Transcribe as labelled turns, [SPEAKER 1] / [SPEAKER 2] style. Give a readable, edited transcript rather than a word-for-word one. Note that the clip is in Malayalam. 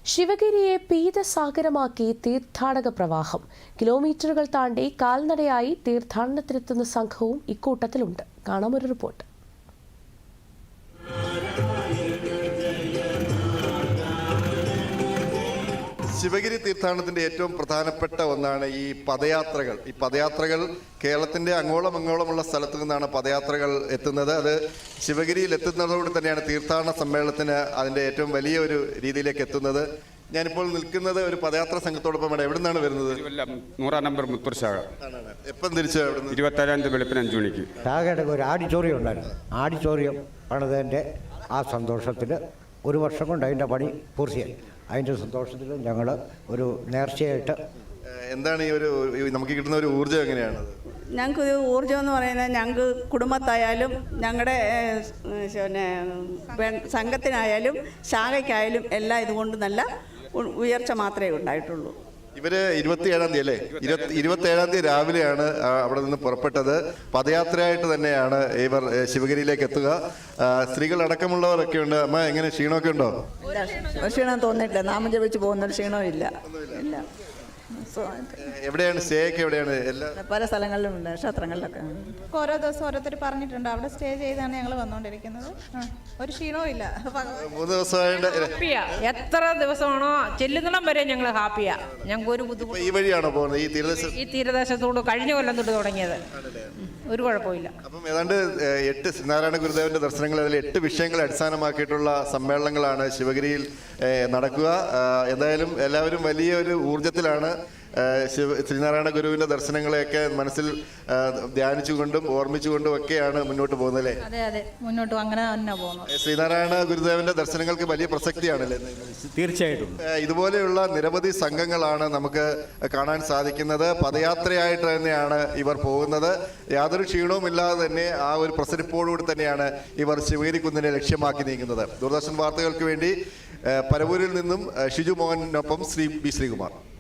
[SPEAKER 1] ശിവഗിരിയെ പീതസാഗരമാക്കി തീർത്ഥാടക പ്രവാഹം. കിലോമീറ്ററുകൾ താണ്ടി കാൽനടയായി തീർത്ഥാടനത്തിനെത്തുന്ന സംഘവും ഇക്കൂട്ടത്തിലുണ്ട്. കാണാമൊരു റിപ്പോർട്ട്.
[SPEAKER 2] ശിവഗിരി തീർത്ഥാടനത്തിന്റെ ഏറ്റവും പ്രധാനപ്പെട്ട ഒന്നാണ് ഈ പദയാത്രകൾ. ഈ പദയാത്രകൾ കേരളത്തിന്റെ അങ്ങോളമുള്ള സ്ഥലത്തു നിന്നാണ് പദയാത്രകൾ എത്തുന്നത്. അത് ശിവഗിരിയിൽ എത്തുന്നതോടെ തന്നെയാണ് തീർത്ഥാടന സമ്മേളനത്തിന് അതിന്റെ ഏറ്റവും വലിയ ഒരു രീതിയിലേക്ക് എത്തുന്നത്. ഞാനിപ്പോൾ നിൽക്കുന്നത് ഒരു പദയാത്ര സംഘത്തോടൊപ്പമാണ്. എവിടെ നിന്നാണ് വരുന്നത്?
[SPEAKER 3] 100 നമ്പർ മുത്തൂർ ശാഖ.
[SPEAKER 2] എപ്പം തിരിച്ചു?
[SPEAKER 3] 27 വെളുപ്പിന് 5 മണിക്ക്.
[SPEAKER 4] ശാഖയുടെ ഒരു ആഡിറ്റോറിയം ഉണ്ടായിരുന്നു. ആഡിറ്റോറിയം പണിതതിൻ്റെ ആ സന്തോഷത്തിൽ ഒരു വർഷം കൊണ്ട് അതിൻ്റെ പണി പൂർത്തിയായി. അതിൻ്റെ സന്തോഷത്തിൽ ഞങ്ങൾ ഒരു നേർച്ചയായിട്ട്.
[SPEAKER 2] എന്താണ് ഈ ഒരു നമുക്ക് കിട്ടുന്ന ഒരു ഊർജ്ജം? എങ്ങനെയാണ്
[SPEAKER 5] ഞങ്ങൾക്കൊരു ഊർജ്ജം എന്ന് പറയുന്നത്? ഞങ്ങൾക്ക് കുടുംബത്തായാലും ഞങ്ങളുടെ സംഘത്തിനായാലും ശാഖയ്ക്കായാലും എല്ലാം ഇതുകൊണ്ട് നല്ല ഉയർച്ച മാത്രമേ ഉണ്ടായിട്ടുള്ളൂ.
[SPEAKER 2] ഇവര് 27-ാം തീയതി അല്ലേ? 27-ാം തീയതി രാവിലെയാണ് അവിടെ നിന്ന് പുറപ്പെട്ടത്. പദയാത്രയായിട്ട് തന്നെയാണ് ഇവർ ശിവഗിരിയിലേക്ക് എത്തുക. സ്ത്രീകൾ അടക്കമുള്ളവരൊക്കെ ഉണ്ട്. അമ്മ, എങ്ങനെ ക്ഷീണമൊക്കെ ഉണ്ടോ?
[SPEAKER 5] ക്ഷീണം തോന്നിയിട്ടില്ല. നാമം ജപിച്ച് പോകുന്നൊരു ക്ഷീണവും ഇല്ല.
[SPEAKER 2] എവിടെയാണ് സ്റ്റേ ഒക്കെ? എവിടെയാണ്?
[SPEAKER 5] പല സ്ഥലങ്ങളിലും ഉണ്ട്, ക്ഷേത്രങ്ങളിലൊക്കെ.
[SPEAKER 6] ഓരോ ദിവസം ഓരോരുത്തർ പറഞ്ഞിട്ടുണ്ട്. അവിടെ സ്റ്റേ ചെയ്താണ് ഞങ്ങൾ വന്നുകൊണ്ടിരിക്കുന്നത്. ഒരു ക്ഷീണവും ഇല്ല.
[SPEAKER 2] 3 ദിവസമായിട്ട്
[SPEAKER 7] എത്ര ദിവസമാണോ ചെല്ലുന്നിടം വരെ ഞങ്ങൾ ഹാപ്പിയാ. ഞങ്ങൾക്ക് ഒരു ബുദ്ധിമുട്ട്.
[SPEAKER 2] ഈ വഴിയാണോ പോകുന്നത്? ഈ
[SPEAKER 7] തീരദേശത്തോട് കഴിഞ്ഞ കൊല്ലം തൊട്ട് തുടങ്ങിയത്. ഒരു കുഴപ്പമില്ല.
[SPEAKER 2] അപ്പം ഏതാണ്ട് 8 ശ്രീനാരായണ ഗുരുദേവന്റെ ദർശനങ്ങൾ, അതിൽ 8 വിഷയങ്ങളെ അടിസ്ഥാനമാക്കിയിട്ടുള്ള സമ്മേളനങ്ങളാണ് ശിവഗിരിയിൽ നടക്കുക. എന്തായാലും എല്ലാവരും വലിയൊരു ഊർജ്ജത്തിലാണ് ശ്രീനാരായണ ഗുരുവിന്റെ ദർശനങ്ങളെയൊക്കെ മനസ്സിൽ ധ്യാനിച്ചുകൊണ്ടും ഓർമ്മിച്ചുകൊണ്ടും ഒക്കെയാണ് മുന്നോട്ട് പോകുന്നത്.
[SPEAKER 6] അതെ, മുന്നോട്ട് അങ്ങനെ തന്നെ പോകുന്നു.
[SPEAKER 2] ശ്രീനാരായണ ഗുരുദേവന്റെ ദർശനങ്ങൾക്ക് വലിയ പ്രസക്തിയാണല്ലേ?
[SPEAKER 4] തീർച്ചയായിട്ടും.
[SPEAKER 2] ഇതുപോലെയുള്ള നിരവധി സംഘങ്ങളാണ് നമുക്ക് കാണാൻ സാധിക്കുന്നത്. പദയാത്രയായിട്ട് തന്നെയാണ് ഇവർ പോകുന്നത്. യാതൊരു ക്ഷീണവും ഇല്ലാതെ തന്നെ ആ ഒരു പ്രസരിപ്പോടുകൂടി തന്നെയാണ് ഇവർ ശിവഗിരി കുന്നിനെ ലക്ഷ്യമാക്കി നീങ്ങുന്നത്. ദൂരദർശൻ വാർത്തകൾക്ക് വേണ്ടി പരവൂരിൽ നിന്നും ഷിജു മോഹനൊപ്പം ശ്രീകുമാർ.